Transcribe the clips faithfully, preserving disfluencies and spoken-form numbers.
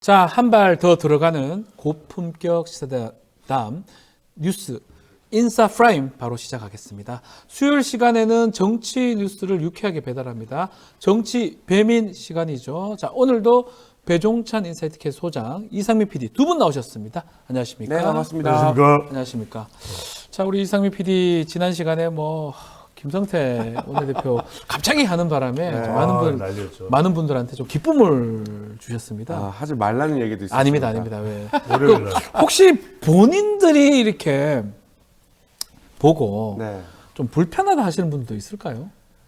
자, 한 발 더 들어가는 고품격 시사담 뉴스 인사 프라임 바로 시작하겠습니다. 수요일 시간에는 정치 뉴스를 유쾌하게 배달합니다. 정치 배민 시간이죠. 자, 오늘도 배종찬 인사이트캐 소장, 이상민 피디 두 분 나오셨습니다. 안녕하십니까? 네, 반갑습니다. 안녕하십니까? 안녕하십니까? 자, 우리 이상민 피디 지난 시간에 뭐 김성태 원내대표 갑자기 하는 바람에 네. 많은 분 아, 난리였죠. 많은 분들한테 좀 기쁨을 주셨습니다. 아, 하지 말라는 얘기도 있습니다. 아닙니다, 아닙니다. 왜? 월요일 날. 혹시 본인들이 이렇게 보고 네. 좀 불편하다 하시는 분도 있을까요?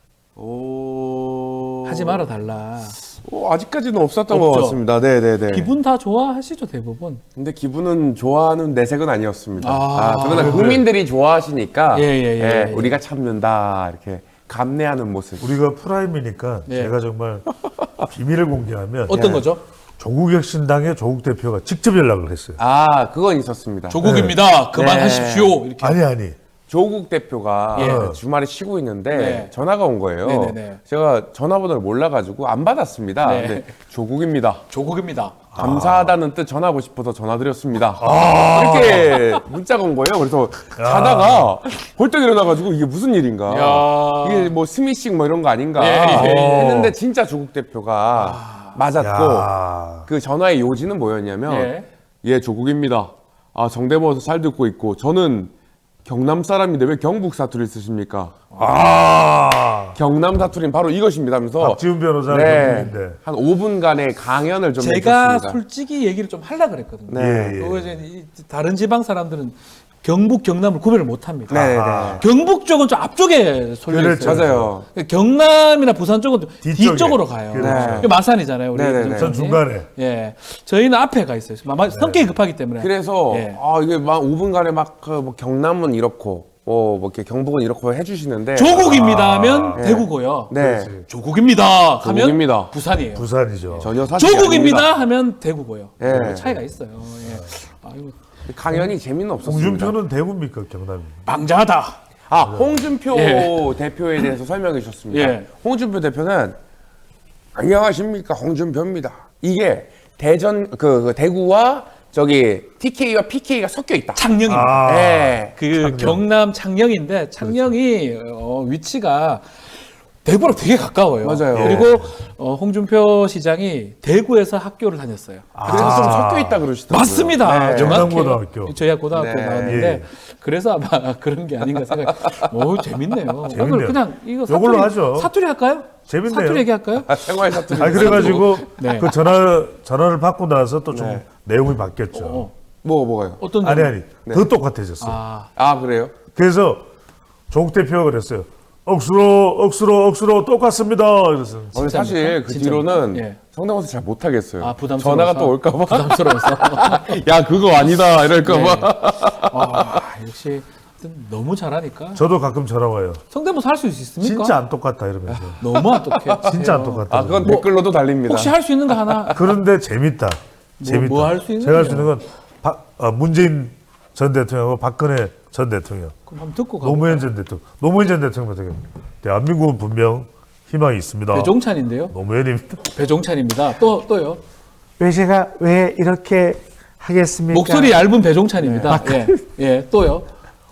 오... 하지 말아 달라. 오, 아직까지는 없었던 없죠? 것 같습니다. 네, 네, 네. 기분 다 좋아하시죠, 대부분. 근데 기분은 좋아하는 내색은 아니었습니다. 아, 아, 그러나 국민들이 좋아하시니까 예, 예, 예, 예. 우리가 참는다 이렇게 감내하는 모습. 우리가 프라임이니까 예. 제가 정말 비밀을 공개하면 어떤 예. 거죠? 조국혁신당의 조국 대표가 직접 연락을 했어요. 아, 그건 있었습니다. 조국입니다. 그만하십시오. 이렇게. 아니 아니. 조국 대표가 예. 주말에 쉬고 있는데 네. 전화가 온 거예요. 네네네. 제가 전화번호를 몰라가지고 안 받았습니다. 네. 근데 조국입니다. 조국입니다. 감사하다는 뜻 전하고 싶어서 전화드렸습니다. 아. 이렇게 문자가 온 거예요. 그래서 자다가 벌떡 일어나가지고 이게 무슨 일인가? 야. 이게 뭐 스미싱 뭐 이런 거 아닌가? 예, 예, 예. 했는데 진짜 조국 대표가 맞았고 야. 그 전화의 요지는 뭐였냐면 예. 예, 조국입니다. 아, 성대모사 잘 듣고 있고 저는 경남 사람인데 왜 경북 사투리를 쓰십니까? 아. 경남 사투리는 바로 이것입니다 하면서 박지훈 변호사는 네, 경북인데. 한 오 분간의 강연을 좀 제가 해줬습니다. 솔직히 얘기를 좀 하려고 그랬거든요. 네. 예, 예. 그거 이제 이 다른 지방 사람들은 경북, 경남을 구별을 못 합니다. 네, 네. 아. 경북 쪽은 좀 앞쪽에 쏠려 있어요. 그렇죠. 맞아요. 경남이나 부산 쪽은 좀 뒤쪽에. 뒤쪽으로 가요. 그렇죠. 이게 마산이잖아요. 우리 네네네. 김정찬이. 전 중간에. 예, 저희는 앞에 가 있어요. 아마 성격이 급하기 때문에. 그래서 예. 아 이게 막 오 분간에 막뭐 경남은 이렇고 뭐, 뭐 이렇게 경북은 이렇고 해주시는데 조국입니다 하면 네. 대구고요. 네 그렇지. 조국입니다 하면 조국입니다. 부산이에요. 부산이죠. 전혀 사실이 조국입니다 아닙니다. 하면 대구고요. 예. 그 차이가 있어요. 예. 아이고, 강연이 재미는 없었습니다. 홍준표는 대구입니까 경남입니까? 방자하다. 아 홍준표 예. 대표에 대해서 설명해 주셨습니다. 예. 홍준표 대표는 안녕하십니까 홍준표입니다. 이게 대전 그, 그 대구와 저기 티케이와 피케이가 섞여 있다. 창녕입니다. 아. 예. 그 창녕. 경남 창녕인데 창녕이 어, 위치가 대구랑 되게 가까워요. 맞아요. 그리고 어, 홍준표 시장이 대구에서 학교를 다녔어요. 그래서 좀 섞여 있다 그러시더라고요. 맞습니다. 네. 정확해요. 영남고등학교. 저희가 고등학교 네. 나왔는데 예. 그래서 아마 그런 게 아닌가 생각. 오 재밌네요. 재밌네요. 오늘 그냥 이거 사투리, 요걸로 하죠. 사투리 할까요? 재밌네요. 사투리 얘기할까요? 아, 생활 사투리. 아 그래가지고 네. 그 전화 전화를 받고 나서 또 좀 네. 내용이 바뀌었죠. 어, 뭐 뭐가요? 어떤 아니 점? 아니 네. 더 똑같아졌어요. 아, 아 그래요? 그래서 조국 대표가 그랬어요. 억수로 억수로 억수로 똑같습니다. 그래서 오늘 사실 그 진짜입니까? 뒤로는 예. 성대모사 잘 못하겠어요. 아 부담스러워서. 전화가 또 올까봐. 부담스러워서. 야 그거 아니다 이럴까봐. 아, 역시 너무 잘하니까. 저도 가끔 전화 와요. 성대모사 할 수 있습니까? 진짜 안 똑같다 이러면서. 너무 안 똑해. 진짜 안 똑같다. 아 그건 댓글로도 달립니다. 혹시 할 수 있는 거 하나? 그런데 재밌다. 재밌다. 뭐 할수 있는 제가 할 수 거예요? 있는 건 박- 어, 문재인 전 대통령하고 박근혜 전 대통령, 그럼 한번 듣고 가. 노무현 전 대통령, 노무현 전 대통령 같은 경우 대한민국은 분명 희망이 있습니다. 배종찬인데요. 노무현입니다. 배종찬입니다. 또 또요. 왜 제가 왜 이렇게 하겠습니까? 목소리 얇은 배종찬입니다. 네. 예, 예, 또요.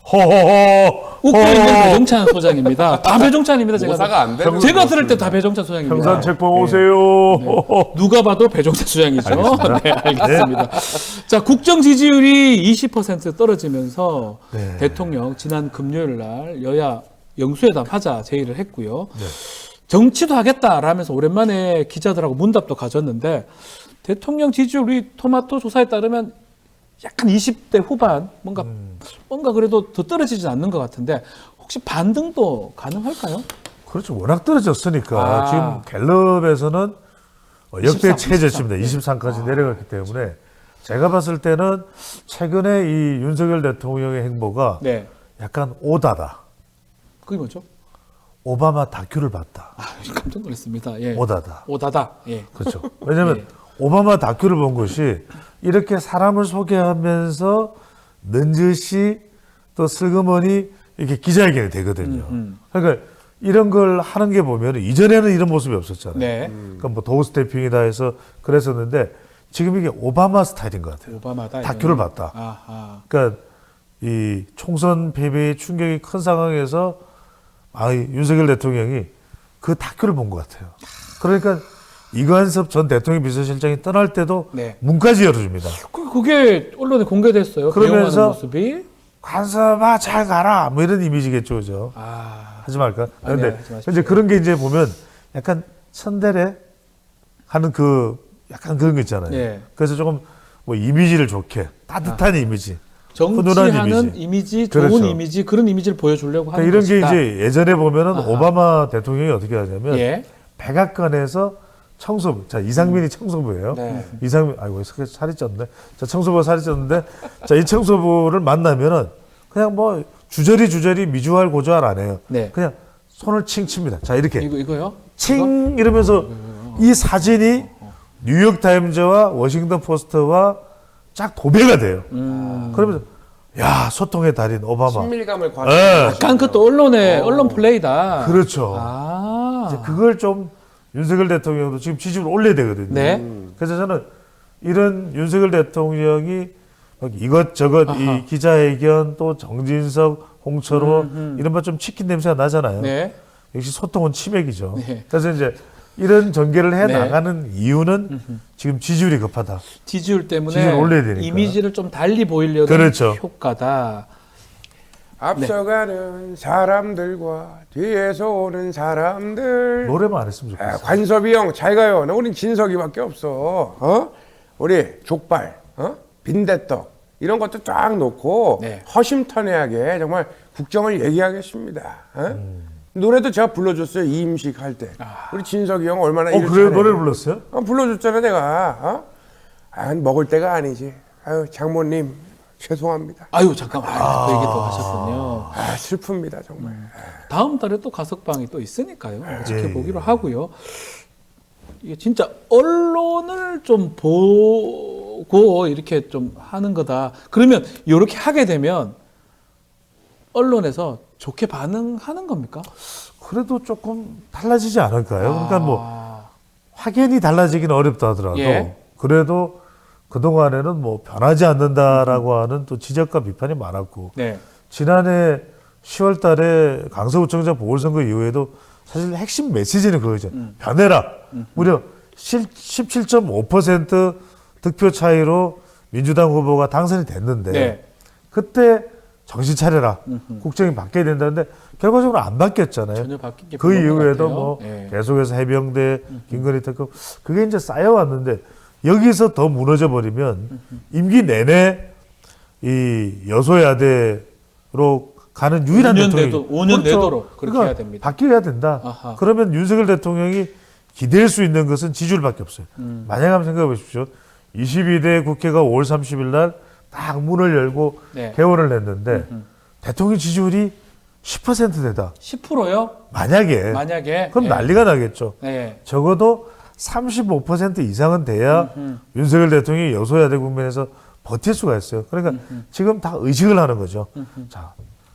호호호. 웃고 있는 호호호. 배종찬 소장입니다. 다 배종찬입니다. 제가 모사가 안 되는 제가 것 들을 때 같습니다. 다 배종찬 소장입니다. 평산책방 예. 오세요. 호호. 누가 봐도 배종찬 소장이죠. 네, 알겠습니다. 자, 국정 지지율이 이십 퍼센트 떨어지면서 네. 대통령 지난 금요일 날 여야 영수회담 하자 제의를 했고요. 네. 정치도 하겠다라면서 오랜만에 기자들하고 문답도 가졌는데 대통령 지지율 우리 토마토 조사에 따르면 약간 이십 대 후반 뭔가 음. 뭔가 그래도 더 떨어지진 않는 것 같은데 혹시 반등도 가능할까요? 그렇죠. 워낙 떨어졌으니까 아. 지금 갤럽에서는 어, 역대 이십삼, 최저치입니다. 이십삼. 이십삼까지 내려갔기 때문에 제가 봤을 때는 최근에 이 윤석열 대통령의 행보가 네, 약간 오다다. 그게 뭐죠? 오바마 다큐를 봤다. 아, 깜짝 놀랐습니다. 예. 오다다. 오다다. 예. 그렇죠. 왜냐하면 예. 오바마 다큐를 본 것이 이렇게 사람을 소개하면서 넌지시 또 슬그머니 이렇게 기자회견이 되거든요. 음, 그러니까 이런 걸 하는 게 보면 이전에는 이런 모습이 없었잖아요. 네. 그러니까 뭐 도우 스태핑이다 해서 그랬었는데 지금 이게 오바마 스타일인 것 같아요. 오바마다. 다큐를 이거는. 봤다. 아하. 그러니까 이 총선 패배의 충격이 큰 상황에서 아, 이 윤석열 대통령이 그 다큐를 본 것 같아요. 그러니까 이관섭 전 대통령 비서실장이 떠날 때도 네. 문까지 열어줍니다. 그- 그게 언론에 공개됐어요. 그러면서 배웅하는 모습이. 관섭아 잘 가라 뭐 이런 이미지겠죠, 그죠? 아, 하지 말까? 아니야, 그런데 하지 마십시오. 이제 그런 게 이제 보면 약간 선대래 하는 그 약간 그런 거 있잖아요. 예. 그래서 조금 뭐 이미지를 좋게 따뜻한 이미지. 훈훈한 정치하는 이미지. 이미지, 좋은 그렇죠. 이미지, 그런 이미지를 보여주려고 하는 그러니까 이런 게 것이다. 이제 예전에 보면은 아하. 오바마 대통령이 어떻게 하냐면 예. 백악관에서 청소부, 자 이상민이 청소부예요. 네. 이상민, 아이고 살이 쪘네. 자 청소부가 살이 쪘는데, 자 이 청소부를 만나면은 그냥 뭐 주저리 주저리 미주알 고주알 안 해요. 네. 그냥 손을 칭 칩니다. 자 이렇게 이거 이거요? 칭 이러면서 이 사진이 뉴욕 타임즈와 워싱턴 포스트와 쫙 도배가 돼요. 음. 그러면서 야 소통의 달인 오바마. 친밀감을 예. 과시하는 약간 그것도 언론의 언론 플레이다. 그렇죠. 아. 이제 그걸 좀 윤석열 대통령도 지금 지지율 올려야 되거든요. 네. 그래서 저는 이런 윤석열 대통령이 막 이것저것 아하. 이 기자회견 또 정진석, 홍철호 음, 음. 이런 것 좀 치킨 냄새가 나잖아요. 네. 역시 소통은 치맥이죠. 네. 그래서 이제 이런 전개를 해 네. 나가는 이유는 지금 지지율이 급하다. 지지율 때문에 지지율 올려야 되니까. 이미지를 좀 달리 보이려는 그렇죠. 효과다. 앞서가는 사람들과 뒤에서 오는 사람들. 노래만 안 했으면 아, 좋겠어. 관섭이 형 잘 가요. 나 우린 진석이밖에 없어. 어? 우리 족발, 어? 빈대떡 이런 것도 쫙 놓고 네. 허심탄회하게 정말 국정을 얘기하겠습니다. 어? 노래도 제가 불러줬어요. 이임식 할 때. 우리 진석이 형 얼마나 어 일을 그래요? 잘해. 노래를 불렀어요? 어, 불러줬잖아 내가. 어? 아, 먹을 때가 아니지. 아유 장모님 죄송합니다. 아유 잠깐만 아, 그 얘기 또 하셨군요. 아 슬픕니다 정말. 다음 달에 또 가석방이 또 있으니까요. 예, 지켜보기로 하고요. 이게 진짜 언론을 좀 보고 이렇게 좀 하는 거다. 그러면 이렇게 하게 되면 언론에서 좋게 반응하는 겁니까? 그래도 조금 달라지지 않을까요? 그러니까 뭐 아, 확연히 달라지기는 어렵다 하더라도 예. 그래도 그동안에는 뭐 변하지 않는다라고 하는 또 지적과 비판이 많았고 네. 지난해 시월 달에 강서구청장 보궐선거 이후에도 사실 핵심 메시지는 그거죠. 음. 변해라. 무려 십칠 점 오 퍼센트 득표 차이로 민주당 후보가 당선이 됐는데 네. 그때 정신 차려라. 국정이 바뀌어야 된다는데 결과적으로 안 바뀌었잖아요. 전혀 바뀐 게 그 별로 없는 것 이후에도 같아요. 뭐 예. 계속해서 해병대, 김건희 특검 그게 이제 쌓여왔는데 여기서 더 무너져 버리면 임기 내내 이 여소야대로 가는 유일한 오 년 대통령이 내도- 오 년 내도록 그렇게 그러니까 해야 됩니다. 바뀌어야 된다. 아하. 그러면 윤석열 대통령이 기댈 수 있는 것은 지지율밖에 없어요. 음. 만약 한번 생각해 보십시오. 이십이 대 국회가 오월 삼십일 날 딱 문을 열고 네. 개원을 냈는데 대통령 지지율이 십 퍼센트대다. 십 퍼센트요? 만약에 만약에 그럼 예. 난리가 나겠죠. 네. 적어도 삼십오 퍼센트 이상은 돼야 윤석열 대통령이 여소야대 국면에서 버틸 수가 있어요. 그러니까 지금 다 의식을 하는 거죠. 자,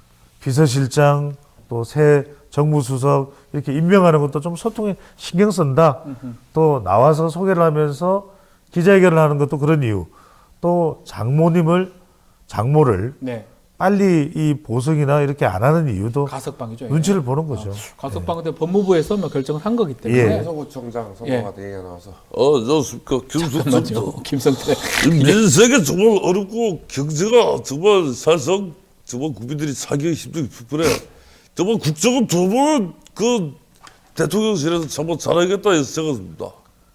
비서실장 또 새 정무수석 이렇게 임명하는 것도 좀 소통에 신경 쓴다. 또 나와서 소개를 하면서 기자회견을 하는 것도 그런 이유. 또 장모님을 장모를 네. 빨리 이 보석이나 이렇게 안 하는 이유도 가석방이죠. 이게. 눈치를 보는 거죠. 가석방 근데 법무부에서 뭐 결정을 한 거기 때문에. 예. 서구청장 예. 선거가 얘기가 나와서 어, 저, 그, 잠깐만요. 김성태. 김성태. 민생이 정말 어렵고, 경제가 정말 사실상 정말 국민들이 사기가 힘들게 불편해. 정말 국정은 두 번, 그, 대통령실에서 정말 잘하겠다 해서 생각합니다.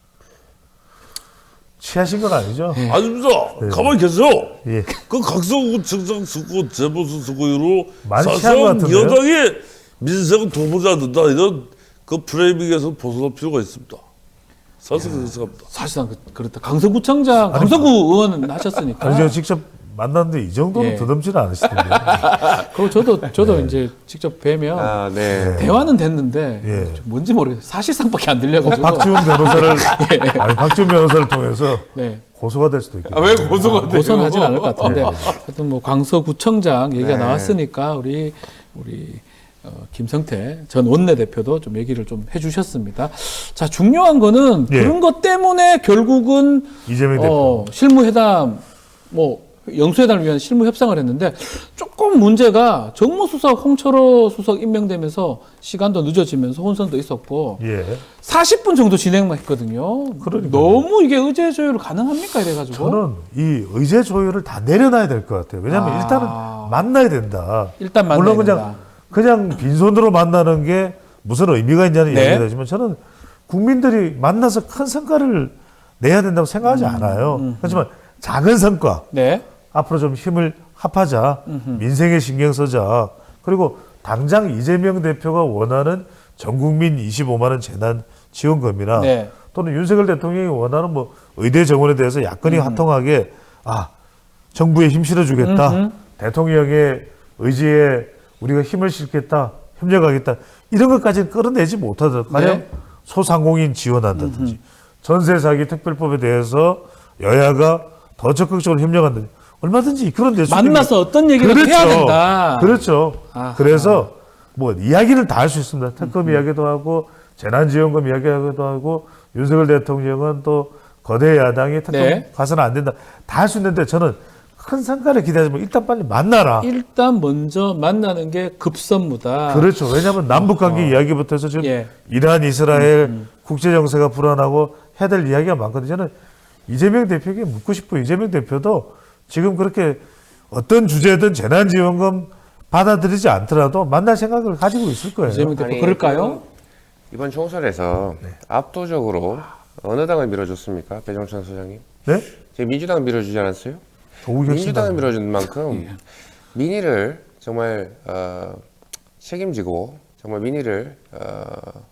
취하신 건 아니죠? 아닙니다. 가만히 계세요. 예. 그 각성구청장 선거, 재보선 선거 이후로 많이 취한 것 사실상 같은데요? 여당이 민생은 도보지 않는다. 이런 그 프레이밍에서 벗어날 필요가 있습니다. 사실 그렇게 생각합니다. 사실상 그, 그렇다. 강서구청장, 강서구 의원 하셨으니까. 아니, 제가 직접 만났는데 이 정도는 예. 더듬지는 않으시던데. 그리고 저도 저도 이제 직접 뵈면 아, 네. 대화는 됐는데 예. 좀 뭔지 모르겠어요. 사실상밖에 안 들려가지고. 박지원 변호사를 아니, 박지원 변호사를 통해서 네. 고소가 될 수도 있겠네요. 왜 고소가 돼요? 고소는 하진 않을 것 같은데 하여튼 뭐 강서구청장 얘기가 네. 나왔으니까 우리 우리 어, 김성태 전 원내대표도 좀 얘기를 좀 해주셨습니다. 자, 중요한 거는 예. 그런 것 때문에 결국은 이재명 대표. 어, 실무회담 뭐 영수회담을 위한 실무 협상을 했는데 조금 문제가 정무수석 홍철호 수석 임명되면서 시간도 늦어지면서 혼선도 있었고 예. 사십 분 정도 진행만 했거든요. 그러니까요. 너무 이게 의제 조율 가능합니까 이래가지고 저는 이 의제 조율을 다 내려놔야 될 것 같아요. 왜냐하면 아. 일단은 만나야 된다. 일단 만나야 물론 그냥 된다. 그냥 빈손으로 만나는 게 무슨 의미가 있냐는 네. 얘기가 되지만 저는 국민들이 만나서 큰 성과를 내야 된다고 생각하지 않아요. 하지만 작은 성과 네. 앞으로 좀 힘을 합하자. 민생에 신경 쓰자. 그리고 당장 이재명 대표가 원하는 전국민 이십오만 원 재난 지원금이나 네. 또는 윤석열 대통령이 원하는 뭐 의대 정원에 대해서 야권이 화통하게 아 정부에 힘 실어주겠다. 음흠. 대통령의 의지에 우리가 힘을 실겠다. 협력하겠다. 이런 것까지는 끌어내지 못하더라도 가령 네. 소상공인 지원한다든지 전세 사기 특별법에 대해서 여야가 더 적극적으로 협력한다든지 얼마든지 그런 데 만나서 어떤 얘기를 그렇죠. 해야 된다. 그렇죠. 아하. 그래서 뭐 이야기를 다 할 수 있습니다. 특검 이야기도 하고 재난지원금 이야기하기도 하고 윤석열 대통령은 또 거대 야당이 특검 네. 가서는 안 된다. 다 할 수 있는데 저는 큰 성과를 기대하지 말고 일단 빨리 만나라. 일단 먼저 만나는 게 급선무다. 그렇죠. 왜냐하면 남북관계 이야기부터 해서 지금 예. 이란, 이스라엘 국제정세가 불안하고 해야 될 이야기가 많거든요. 저는 이재명 대표에게 묻고 싶어요. 이재명 대표도 지금 그렇게 어떤 주제든 재난지원금 받아들이지 않더라도 만날 생각을 가지고 있을 거예요. 이재명 대표 아니, 그럴까요? 그 이번 총선에서 압도적으로 어느 당을 밀어줬습니까? 배종찬 소장님. 네? 지금 민주당 밀어주지 않았어요? 조국혁 민주당을 신당. 밀어준 만큼 민의를 정말 어, 책임지고 정말 민의를 어,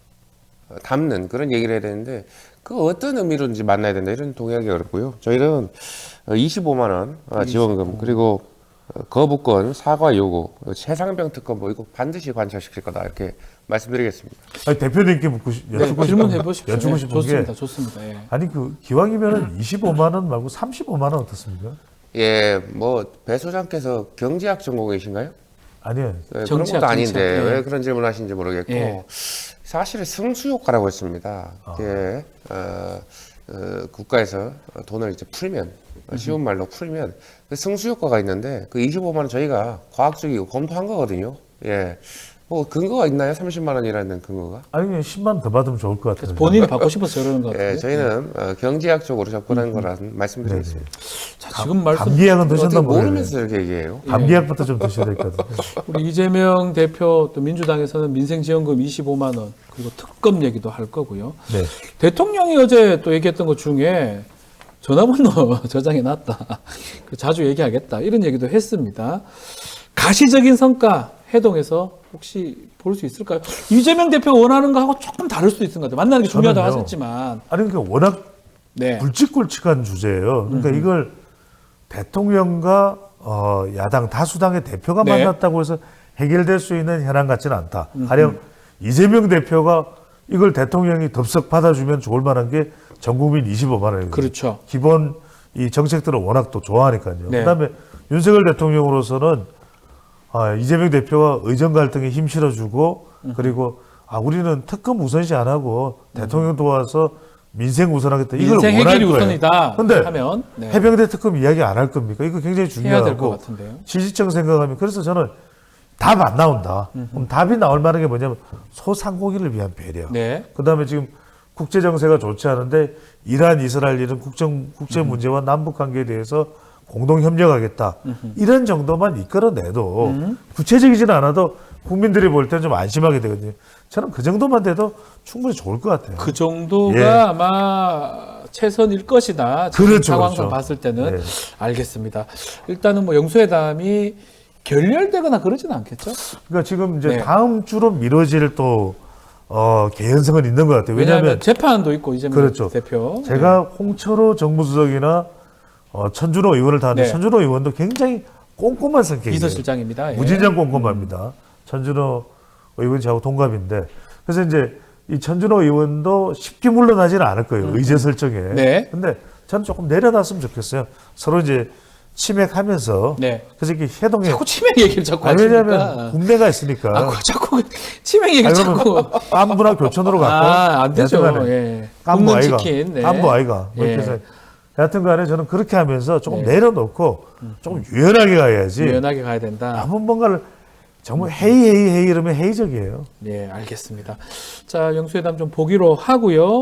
담는 그런 얘기를 해야 되는데 그 어떤 의미로든지 만나야 된다 이런 동의하기 어렵고요. 저희는 이십오만 원 어, 지원금 그리고 어, 거부권 사과 요구 최상병 특검 뭐 이거 반드시 관철시킬 거다 이렇게 말씀드리겠습니다. 아니, 대표님께 묻고 싶, 네, 여쭙고 질문해 싶은, 보십시오. 여쭙고 네, 싶은 좋습니다. 게 좋습니다. 예. 아니 그 기왕이면 이십오만 원 말고 삼십오만 원 어떻습니까? 예, 뭐 배 소장께서 경제학 전공이신가요? 아니요. 네, 그런 정치학, 것도 아닌데 정치학, 예. 왜 그런 질문 하시는지 모르겠고 예. 사실은 승수효과라고 했습니다. 이게 어, 어, 국가에서 돈을 이제 풀면 쉬운 말로 풀면 그 승수효과가 있는데 그 이십오만 원 저희가 과학적이고 검토한 거거든요. 예, 뭐 근거가 있나요? 삼십만 원이라는 근거가? 아니 그냥 십만 원 더 받으면 좋을 것 같아요. 본인이 받고 싶어서 저러는 것 같아요. 예, 저희는 어, 경제학적으로 접근한 거라는 말씀드리겠습니다. 자, 지금 말씀 감기약은 어떻게 드셨나 모르겠네요. 모르면서 이렇게 얘기해요? 감기약부터 좀 드셔야 될 것 같아요. 우리 이재명 대표 또 민주당에서는 민생지원금 이십오만 원 그리고 특검 얘기도 할 거고요. 네. 대통령이 어제 또 얘기했던 것 중에 전화번호 저장해 놨다. 자주 얘기하겠다. 이런 얘기도 했습니다. 가시적인 성과 해동해서 혹시 볼 수 있을까요? 이재명 대표 원하는 거하고 조금 다를 수도 있을 것 같아요. 만나는 게 중요하다고 저는요. 하셨지만. 아니 그러니까 워낙 네. 굵직굵직한 주제예요. 그러니까 이걸 대통령과 어, 야당 다수당의 대표가 네. 만났다고 해서 해결될 수 있는 현안 같지는 않다. 가령 이재명 대표가 이걸 대통령이 덥석 받아주면 좋을 만한 게 전국민 이십오만 원이거든요. 그렇죠. 기본 이 정책들을 워낙 또 좋아하니까요. 네. 그다음에 윤석열 대통령으로서는 아, 이재명 대표가 의정 갈등에 힘 실어주고 그리고 아 우리는 특검 우선시 안 하고 대통령 도와서 민생 우선하겠다. 이걸 민생 원할 해결이 거예요. 우선이다 근데 하면 네. 해병대 특검 이야기 안 할 겁니까? 이거 굉장히 해야 될 것 중요하고 같은데요. 실질적 생각하면 그래서 저는 답 안 나온다. 그럼 답이 나올 만한 게 뭐냐면 소상공인을 위한 배려. 네. 그다음에 지금 국제 정세가 좋지 않은데 이란, 이스라엘 이런 국정 국제 문제와 남북 관계에 대해서 공동 협력하겠다. 이런 정도만 이끌어내도 구체적이지는 않아도 국민들이 볼 때는 좀 안심하게 되거든요. 저는 그 정도만 돼도 충분히 좋을 것 같아요. 그 정도가 예. 아마 최선일 것이다. 지금 그렇죠, 상황상 그렇죠. 봤을 때는 네. 알겠습니다. 일단은 뭐 영수회담이 결렬되거나 그러지는 않겠죠? 그러니까 지금 이제 네. 다음 주로 미뤄질 또 어, 개연성은 있는 것 같아요. 왜냐하면 왜냐하면 재판도 있고 이재명 그렇죠. 대표. 제가 홍철호 정무수석이나 어, 천준호 의원을 다 하는데 네. 천준호 의원도 굉장히 꼼꼼한 성격이에요. 비서실장입니다. 예. 무진장 꼼꼼합니다. 천준호 의원 저하고 동갑인데 그래서 이제 이 천준호 의원도 쉽게 물러나지는 않을 거예요. 의제 설정에. 네. 근데 저는 조금 내려놨으면 좋겠어요. 서로 이제 치맥하면서 네. 그래서 이렇게 해동에 자꾸 치맥 얘기를 자꾸 아니, 왜냐하면 하시니까. 국내가 있으니까 아, 그 자꾸 그 치맥 얘기를 아니, 자꾸. 그러면 깐부나 교촌으로 갔고 아, 안 되죠. 여하튼간에 예. 깐부 굽는 아이가 치킨. 네. 깐부 아이가 뭐 이렇게 예. 해서 여하튼간에 저는 그렇게 하면서 조금 네. 내려놓고 조금 유연하게 가야지 유연하게 가야 된다. 아무 뭔가를 정말 헤이 헤이 헤이 이러면 회의적이에요. 네, 알겠습니다. 자, 영수회담 좀 보기로 하고요.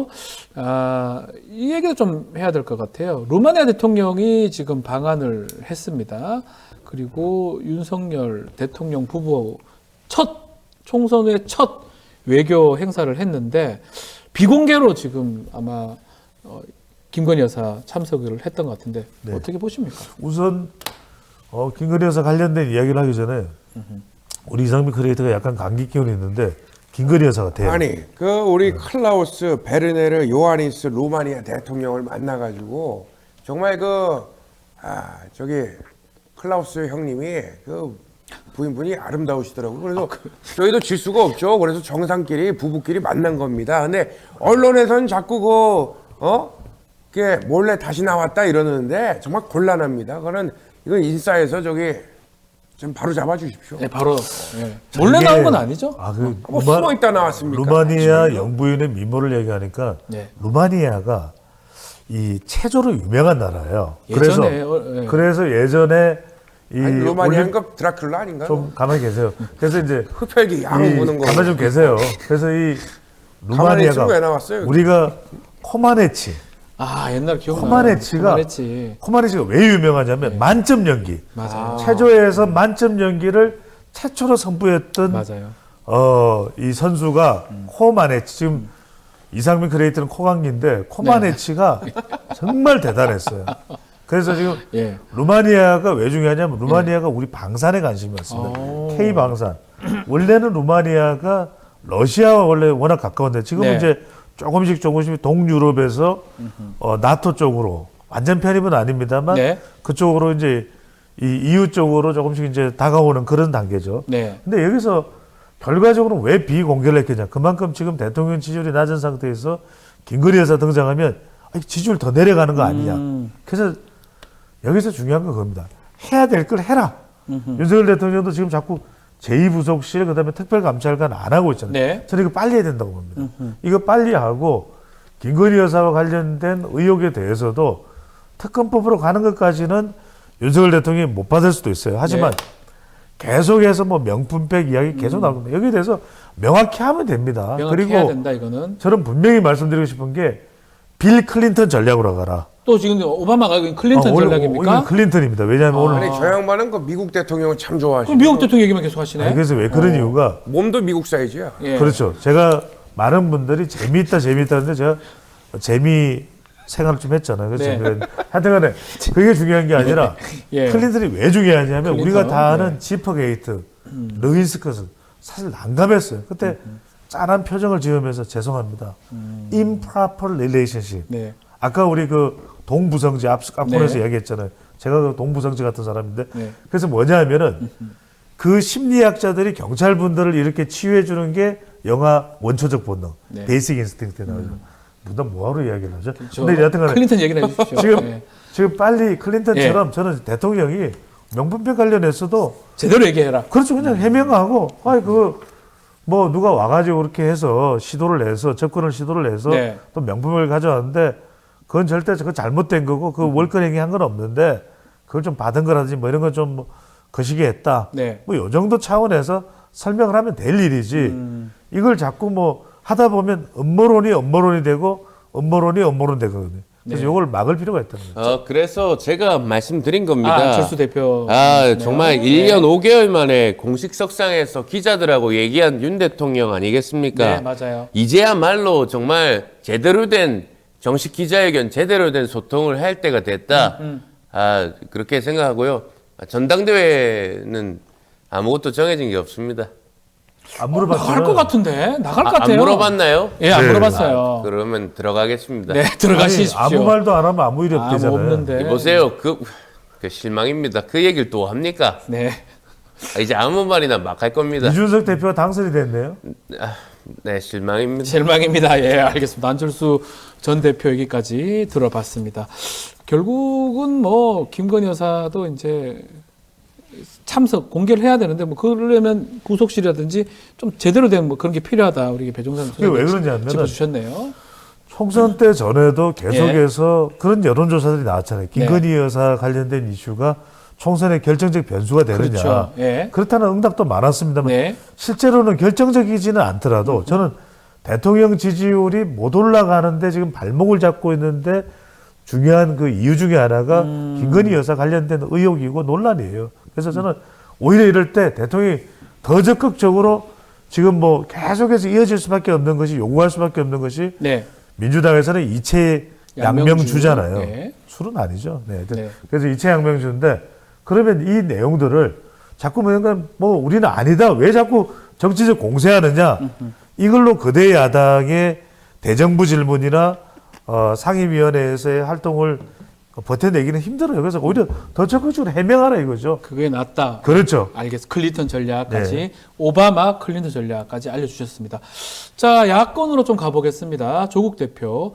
아, 이 얘기도 좀 해야 될 것 같아요. 루마니아 대통령이 지금 방한을 했습니다. 그리고 윤석열 대통령 부부 첫 총선 후에 첫 외교 행사를 했는데 비공개로 지금 아마 어, 김건희 여사 참석을 했던 것 같은데 네. 어떻게 보십니까? 우선 어, 김건희 여사 관련된 이야기를 하기 전에 우리 이상민 크리에이터가 약간 감기 기운이 있는데 김건희 여사가 돼요. 아니 그 우리 클라우스 베르네르 요하니스 루마니아 대통령을 만나가지고 정말 그 아 저기 클라우스 형님이 그 부인분이 아름다우시더라고요. 그래서 저희도 질 수가 없죠. 그래서 정상끼리 부부끼리 만난 겁니다. 근데 언론에서는 자꾸 그 어? 그게 몰래 다시 나왔다 이러는데 정말 곤란합니다. 그거는 이건 인싸에서 저기 좀 바로 잡아주십시오. 네, 바로 예. 몰래 이게- 나온 건 아니죠? 아, 그 뭐 루마- 숨어 있다 나왔습니까? 루마니아 영부인의 미모를 얘기하니까 네. 루마니아가 이 체조로 유명한 나라예요. 예전에, 그래서 어, 예. 그래서 예전에 이 아니, 올림- 루마니아인가 드라큘라 아닌가요? 좀 가만히 계세요. 그래서 이제 흡혈귀 양 이 보는 거. 가만히 좀 계세요. 그래서 이 가만히 있으면 왜 루마니아가 나왔어요? 우리가 코마네치, 아, 옛날 기억나. 코마네치가 코마네치. 코마네치가 왜 유명하냐면 만점 연기. 맞아요. 체조에서 만점 연기를 최초로 선보였던 맞아요. 어, 이 선수가 코마네치 지금 이상민 크리에이터는 코강기인데 코마네치가 정말 대단했어요. 그래서 지금 예. 루마니아가 왜 중요하냐면 루마니아가 우리 방산에 관심이 많습니다. 오. K 방산. 원래는 루마니아가 러시아와 원래 워낙 가까운데 지금은 네. 이제 조금씩 조금씩 동유럽에서 어, 나토 쪽으로 완전 편입은 아닙니다만 네. 그쪽으로 이제 이 이유 쪽으로 조금씩 이제 다가오는 그런 단계죠. 네. 근데 여기서 결과적으로 왜 비공개를 했겠냐? 그만큼 지금 대통령 지지율이 낮은 상태에서 김건희 여사 등장하면 아니, 지지율 더 내려가는 거 아니냐? 음. 그래서 여기서 중요한 건 그겁니다. 해야 될 걸 해라. 윤석열 대통령도 지금 자꾸 제이 부속실 그다음에 특별감찰관 안 하고 있잖아요. 네. 저는 이거 빨리 해야 된다고 봅니다. 이거 빨리 하고 김건희 여사와 관련된 의혹에 대해서도 특검법으로 가는 것까지는 윤석열 대통령이 못 받을 수도 있어요. 하지만 네. 계속해서 뭐 명품백 이야기 계속 나옵니다. 여기에 대해서 명확히 하면 됩니다. 명확히 그리고 해야 된다 이거는. 저는 분명히 말씀드리고 싶은 게 빌 클린턴 전략으로 가라. 또 지금 오바마가 클린턴 어, 오늘- 전략입니까? 오늘 클린턴입니다. 왜냐하면 오늘 아니 저 양반은 그 미국 대통령을 참 좋아하시고 그럼 미국 대통령 얘기만 계속 하시네. 아니, 그래서 왜 그런 이유가 몸도 미국 사이즈야. 예. 그렇죠. 제가 많은 분들이 재미있다 재미있다 하는데 제가 재미 생활을 좀 했잖아요. 그래서 네. 그래- 하여튼간에 그게 중요한 게 아니라 예. 클린턴이 왜 중요하냐면 클린턴? 우리가 다 아는 네. 지퍼게이트, 르윈스컷은 사실 난감했어요. 그때 짠한 표정을 지으면서 죄송합니다. improper relationship. 네. 아까 우리 그 동부성지 앞, 앞부분에서 네. 이야기했잖아요. 제가 그 동부성지 같은 사람인데 네. 그래서 뭐냐 하면은 그 심리학자들이 경찰분들을 이렇게 치유해 주는 게 영화 원초적 본능, 네. 베이직 인스팅크트에 나오죠. 누가 뭐하러 이야기를 하죠? 저 근데 여하튼간에 클린턴 얘기를 해주십시오. 지금 예. 지금 빨리 클린턴처럼 저는 대통령이 명품백 관련해서도 제대로 얘기해라. 그렇죠. 그냥 해명하고, 아이, 그, 뭐, 누가 와가지고 그렇게 해서 시도를 해서, 접근을 시도를 해서 네. 또 명품을 가져왔는데, 그건 절대 그거 잘못된 거고, 그 월권 행위 한 건 없는데, 그걸 좀 받은 거라든지 뭐 이런 건 좀 뭐 거시기 했다. 네. 뭐, 요 정도 차원에서 설명을 하면 될 일이지, 음. 이걸 자꾸 뭐 하다 보면 음모론이 음모론이 되고, 음모론이 음모론 되거든요. 그래서 네. 이걸 막을 필요가 있다는 거죠. 어 그래서 제가 말씀드린 겁니다. 아, 안철수 대표. 아, 네. 정말 일 년 오 개월 만에 공식 석상에서 기자들하고 얘기한 윤 대통령 아니겠습니까? 네, 맞아요. 이제야말로 정말 제대로 된 정식 기자회견, 제대로 된 소통을 할 때가 됐다. 음, 아, 그렇게 생각하고요. 전당대회는 아무것도 정해진 게 없습니다. 안 나갈 물어봤지만, 것 같은데 나갈 것 아, 안 같아요. 물어봤나요? 예, 안 네. 물어봤어요. 그러면 들어가겠습니다. 네, 들어가시십시오. 아니, 아무 말도 안 하면 아무 일이 아무 없대잖아요. 없는데. 보세요. 그, 그 실망입니다. 그 얘기를 또 합니까? 네. 아, 이제 아무 말이나 막 할 겁니다. 이준석 대표가 당선이 됐네요. 아, 네, 실망입니다. 실망입니다. 예, 알겠습니다. 안철수 전 대표 얘기까지 들어봤습니다. 결국은 뭐 김건희 여사도 이제 참석 공개를 해야 되는데 뭐 그러려면 구속실이라든지 좀 제대로 된 뭐 그런 게 필요하다. 우리 배종찬 그게 왜 소장님 그러냐면은 짚어주셨네요. 총선 때 전에도 계속해서 그런 여론조사들이 나왔잖아요. 김건희 여사 관련된 이슈가 총선의 결정적 변수가 되느냐. 그렇죠. 예. 그렇다는 응답도 많았습니다만 네. 실제로는 결정적이지는 않더라도 저는 대통령 지지율이 못 올라가는데 지금 발목을 잡고 있는데 중요한 그 이유 중에 하나가 음. 김건희 여사 관련된 의혹이고 논란이에요. 그래서 저는 오히려 이럴 때 대통령이 더 적극적으로 지금 뭐 계속해서 이어질 수밖에 없는 것이 요구할 수밖에 없는 것이 네. 민주당에서는 이체 양명주. 양명주잖아요. 네. 술은 아니죠. 네. 네. 그래서 이체 양명주인데 그러면 이 내용들을 자꾸 뭔가 뭐 우리는 아니다. 왜 자꾸 정치적 공세하느냐. 이걸로 거대 야당의 대정부 질문이나 어, 상임위원회에서의 활동을 버텨내기는 힘들어요. 그래서 오히려 더 적극적으로 해명하라 이거죠. 그게 낫다. 그렇죠. 알겠습니다. 클린턴 전략까지 네. 오바마 클린턴 전략까지 알려주셨습니다. 자, 야권으로 좀 가보겠습니다. 조국 대표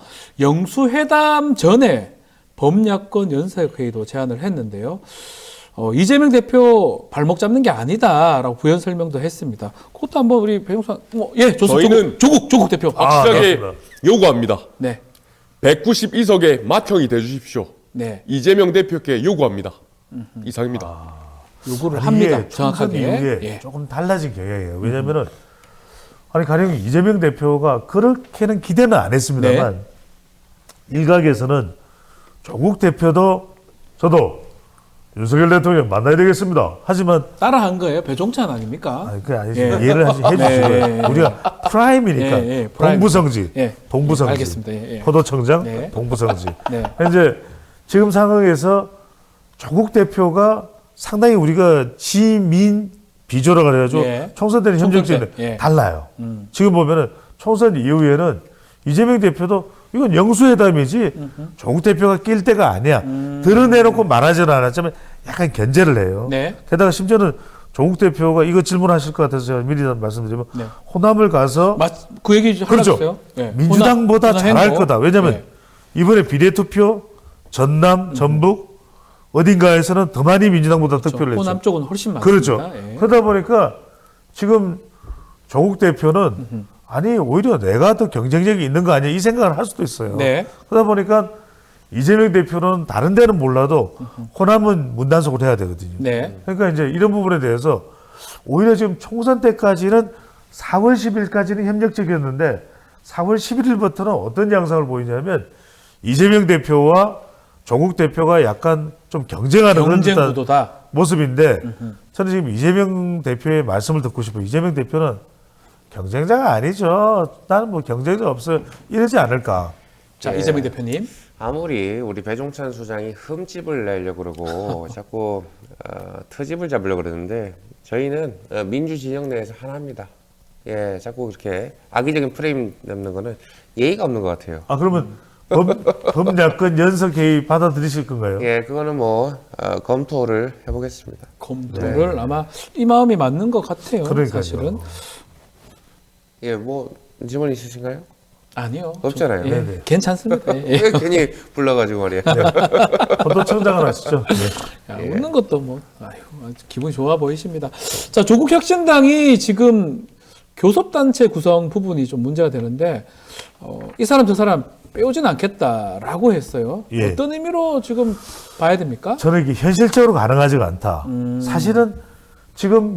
영수회담 전에 범야권 연석회의도 제안을 했는데요. 어, 이재명 대표 발목 잡는 게 아니다라고 부연 설명도 했습니다. 그것도 한번 우리 배용선, 어, 예, 좋습니다. 저희는 조국, 조국, 조국 대표. 아, 확실하게 그렇습니다. 요구합니다. 네, 백구십이 석의 맏형이 돼주십시오. 네, 이재명 대표께 요구합니다. 이상입니다. 요구를 아니, 합니다. 이게 총선 정확하게. 이후에 예. 조금 달라진 경향이에요. 왜냐면은 아니 가령 이재명 대표가 그렇게는 기대는 안 했습니다만 네. 일각에서는 조국 대표도 저도 윤석열 대통령 만나야 되겠습니다. 하지만 따라한 거예요. 배종찬 아닙니까? 아니 그게 아니죠. 예. 이해를 하시- 해주시고요. 네. 우리가 프라임이니까 예, 예, 프라임. 동부성지, 예. 동부성지, 예, 알겠습니다. 예, 예. 포도청장, 네. 동부성지. 네. 이제 지금 상황에서 조국 대표가 상당히 우리가 지민 비조라 그래가지고 예. 총선 때는 총선 현정치는 때, 예. 달라요. 음. 지금 보면은 총선 이후에는 이재명 대표도 이건 영수회담이지 조국 대표가 낄 때가 아니야. 드러내놓고 말하지는 않았지만 약간 견제를 해요. 네. 게다가 심지어는 조국 대표가 이거 질문하실 것 같아서 제가 미리 말씀드리면 네. 호남을 가서 맞, 그 얘기 좀 그렇죠. 하셨어요? 예. 민주당보다 호남- 잘할 호남 거다. 왜냐하면 예. 이번에 비례투표 전남, 전북 어딘가에서는 더 많이 민주당보다 득표를 했죠. 호남 쪽은 훨씬 많습니다. 그렇죠. 예. 그러다 보니까 지금 조국 대표는 아니 오히려 내가 더 경쟁력이 있는 거 아니야 이 생각을 할 수도 있어요. 네. 그러다 보니까 이재명 대표는 다른 데는 몰라도 호남은 문단속을 해야 되거든요. 네. 그러니까 이제 이런 부분에 대해서 오히려 지금 총선 때까지는 사월 십일까지는 협력적이었는데 사월 십일일부터는 어떤 양상을 보이냐면 이재명 대표와 조국 대표가 약간 좀 경쟁하는 그런 경쟁 듯한 구도다. 모습인데 저는 지금 이재명 대표의 말씀을 듣고 싶어요. 이재명 대표는 경쟁자가 아니죠. 나는 뭐 경쟁자 없어요. 이러지 않을까. 자, 예. 이재명 대표님. 아무리 우리 배종찬 수장이 흠집을 내려고 그러고 자꾸 어, 트집을 잡으려고 그러는데 저희는 어, 민주 진영 내에서 하나입니다. 예, 자꾸 이렇게 악의적인 프레임 넣는 거는 예의가 없는 것 같아요. 아 그러면 범, 범야권 연석 회의 받아들이실 건가요? 예, 그거는 뭐 어, 검토를 해보겠습니다. 검토를 아마 이 마음이 맞는 것 같아요. 네. 그러니까요. 사실은. 예, 뭐 질문 있으신가요? 아니요. 없잖아요. 예, 네네. 괜찮습니다. 예. 왜 괜히 불러가지고 말이야. 포도청장을 하시죠. 네. 야, 웃는 것도 뭐, 아유, 아주 기분이 좋아 보이십니다. 자, 조국 혁신당이 지금 교섭단체 구성 부분이 좀 문제가 되는데, 어, 이 사람 저 사람 빼오진 않겠다라고 했어요. 예. 어떤 의미로 지금 봐야 됩니까? 저는 이게 현실적으로 가능하지가 않다. 음. 사실은 지금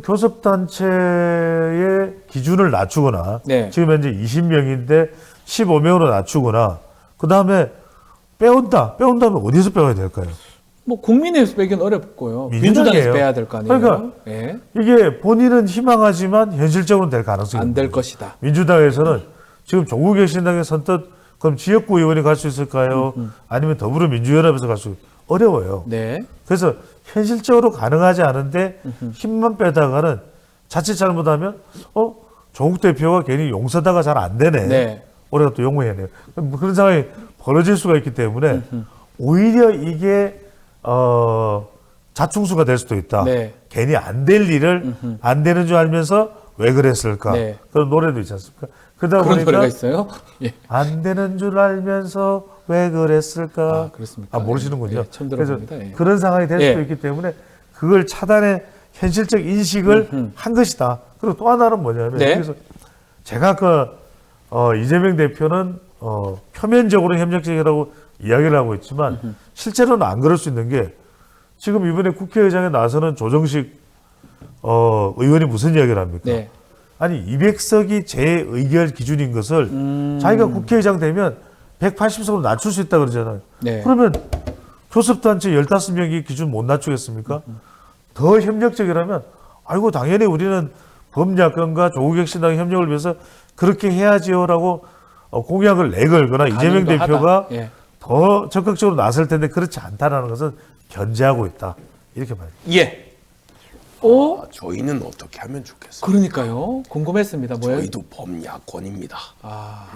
교섭단체의 기준을 낮추거나 네. 지금 현재 이십 명인데 십오 명으로 낮추거나 그 다음에 빼온다. 빼온다면 어디서 빼야 될까요? 뭐 국민의힘에서 빼기는 어렵고요. 민주당이에요. 민주당에서 빼야 될 거 아니에요. 그러니까 예. 이게 본인은 희망하지만 현실적으로는 될 가능성이 안 있는 될 거예요. 것이다. 민주당에서는 지금 조국 혁신당의 선뜻 그럼 지역구 의원이 갈 수 있을까요? 아니면 더불어민주연합에서 갈 수 어려워요. 네. 그래서 현실적으로 가능하지 않은데 힘만 빼다가는 자칫 잘못하면 어 조국 대표가 괜히 용서다가 잘 안 되네. 네. 우리가 또 용어해내요. 뭐 그런 상황이 벌어질 수가 있기 때문에 오히려 이게 어 자충수가 될 수도 있다. 네. 괜히 안 될 일을 안 되는 줄 알면서 왜 그랬을까? 네. 그런 노래도 있지 않습니까? 그러다 그런 노래가 보니까 있어요? 예. 안 되는 줄 알면서 왜 그랬을까? 아, 그렇습니까? 아, 모르시는군요. 예, 처음 그래서 들어봅니다. 예. 그런 상황이 될 수도 예. 있기 때문에 그걸 차단의 현실적 인식을 한 것이다. 그리고 또 하나는 뭐냐면 네. 여기서 제가 아까 어, 이재명 대표는 어, 표면적으로 협력적이라고 이야기를 하고 있지만 실제로는 안 그럴 수 있는 게 지금 이번에 국회의장에 나서는 조정식 어, 의원이 무슨 이야기를 합니까? 네. 아니 이백 석이 재의결 기준인 것을 음. 자기가 국회의장 되면 백팔십 석으로 낮출 수 있다 그러잖아요. 네. 그러면 교섭단체 열다섯 명이 기준 못 낮추겠습니까? 더 협력적이라면 아이고 당연히 우리는 범야권과 조국혁신당의 협력을 위해서 그렇게 해야지요라고 어, 공약을 내걸거나 이재명 가능도 대표가 하다. 예. 더 적극적으로 나설 텐데 그렇지 않다라는 것은 견제하고 있다. 이렇게 봐요. 예. 오, 아, 저희는 어떻게 하면 좋겠어요? 그러니까요. 궁금했습니다. 뭐예요? 저희도 범야권입니다. 아,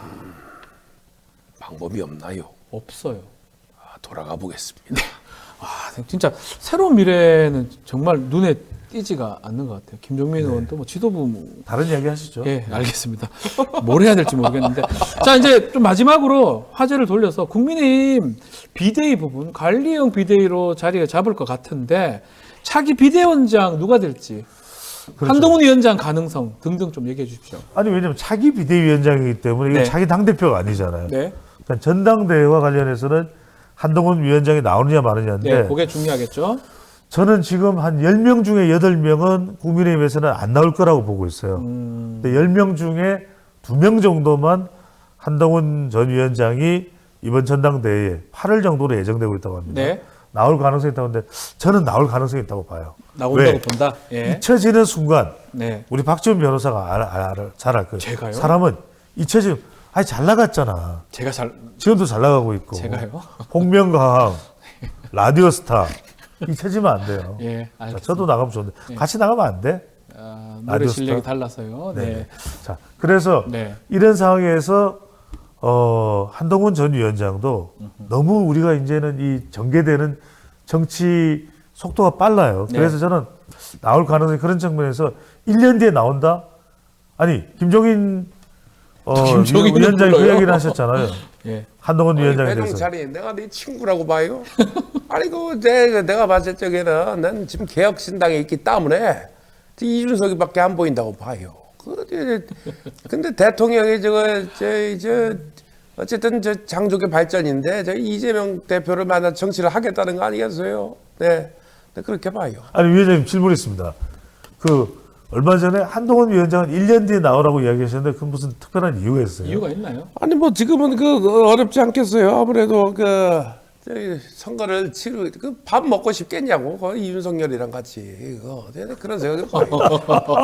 방법이 없나요? 없어요. 아, 돌아가 보겠습니다. 아, 진짜 새로운 미래는 정말 눈에 띄지가 않는 것 같아요. 김종민 의원도 뭐 지도부 뭐 다른 이야기 하시죠. 예, 알겠습니다. 뭘 해야 될지 모르겠는데. 자, 이제 좀 마지막으로 화제를 돌려서 국민의힘 비대위 부분, 관리형 비대위로 자리를 잡을 것 같은데, 차기 비대위원장 누가 될지, 그렇죠. 한동훈 위원장 가능성 등등 좀 얘기해 주십시오. 아니 왜냐면 차기 비대위원장이기 때문에 이건 네. 차기 당대표가 아니잖아요. 네. 그러니까 전당대회와 관련해서는 한동훈 위원장이 나오느냐 마느냐인데 네, 그게 중요하겠죠. 저는 지금 한 열 명 중에 여덟 명은 국민의힘에서는 안 나올 거라고 보고 있어요. 음, 근데 열 명 중에 두 명 정도만 한동훈 전 위원장이 이번 전당대회에 팔월 정도로 예정되고 있다고 합니다. 네. 나올 가능성이 있다고 하는데 저는 나올 가능성이 있다고 봐요. 나온다고 왜? 본다. 예. 잊혀지는 순간 네. 우리 박지원 변호사가 알, 알, 알, 잘 알 거예요. 제가요? 사람은 잊혀지면 아니 잘 나갔잖아. 제가 잘, 지금도 잘 나가고 있고. 제가요? 복면가왕, 라디오스타 잊혀지면 안 돼요. 예, 자, 알겠습니다. 저도 나가면 좋은데 같이 나가면 안 돼? 아, 노래 라디오 실력이 스타? 달라서요. 네. 네. 자, 그래서 네. 이런 상황에서 어, 한동훈 전 위원장도 너무 우리가 이제는 이 전개되는 정치 속도가 빨라요. 네. 그래서 저는 나올 가능성이 그런 측면에서 일 년 뒤에 나온다? 아니, 김종인 어, 김종인은 위원장이 그 불러요. 얘기를 하셨잖아요. 예. 한동훈 위원장에 배동 대해서. 자리 내가 네 친구라고 봐요. 아니 그 내, 내가 봤을 적에는 난 지금 개혁신당에 있기 때문에 이준석이밖에 안 보인다고 봐요. 그 이제 근데 대통령이 저거 저, 저 어쨌든 저 장족의 발전인데 저 이재명 대표를 만나 정치를 하겠다는 거 아니겠어요? 네, 네 그렇게 봐요. 아니 위원장님 질문 있습니다. 그 얼마 전에 한동훈 위원장은 일 년 뒤에 나오라고 이야기하셨는데 그 무슨 특별한 이유가 있어요? 이유가 있나요? 아니 뭐 지금은 그 어렵지 않겠어요. 아무래도 그 저희 선거를 치르 그 밥 먹고 싶겠냐고 그 이윤석열이랑 같이 그 그런 생각을 봐요.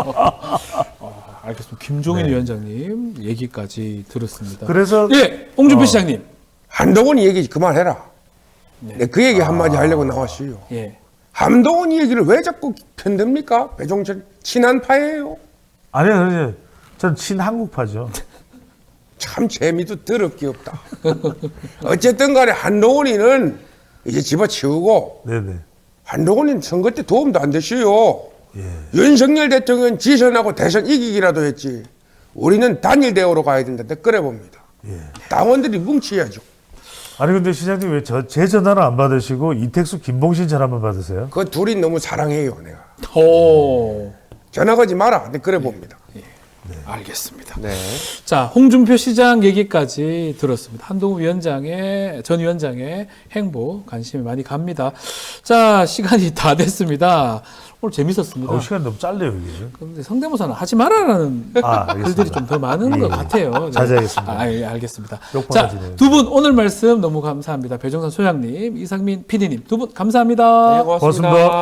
아, 알겠습니다. 김종인 위원장님 얘기까지 들었습니다. 그래서 예, 홍준표 어. 시장님. 한동훈 얘기 그만해라. 네. 네, 그 얘기 한마디 하려고 나왔어요. 예. 한동훈 얘기를 왜 자꾸 편듭니까? 배종철 친한파예요. 아니요, 아니요. 전 친한국파죠. 참 재미도 더럽게 없다. 어쨌든 간에 한동훈이는 이제 집어치우고 네네. 한동훈이는 선거 때 도움도 안 되시요. 윤석열 대통령 지선하고 대선 이기기라도 했지. 우리는 단일 대우로 가야 된다. 그래 봅니다. 당원들이 뭉치야죠. 아니 근데 시장님 왜 저 제 전화를 안 받으시고 이택수 김봉신 전화만 받으세요? 그 둘이 너무 사랑해요, 내가. 오. 전화 거지 마라. 네, 그래 봅니다. 알겠습니다. 네. 자, 홍준표 시장 얘기까지 들었습니다. 한동훈 위원장의 전 위원장의 행보 관심이 많이 갑니다. 자, 시간이 다 됐습니다. 오늘 재밌었습니다. 어, 시간 너무 짧네요 이게. 그런데 성대모사는 하지 말아라는 아, 알겠습니다. 글들이 좀 더 많은 예, 것 예. 같아요. 네. 자제하겠습니다. 아, 예, 알겠습니다. 욕받아 자, 지네요. 두 분 오늘 말씀 너무 감사합니다. 배종선 소장님, 이상민 피디님 두 분 감사합니다. 네, 고맙습니다. 고맙습니다.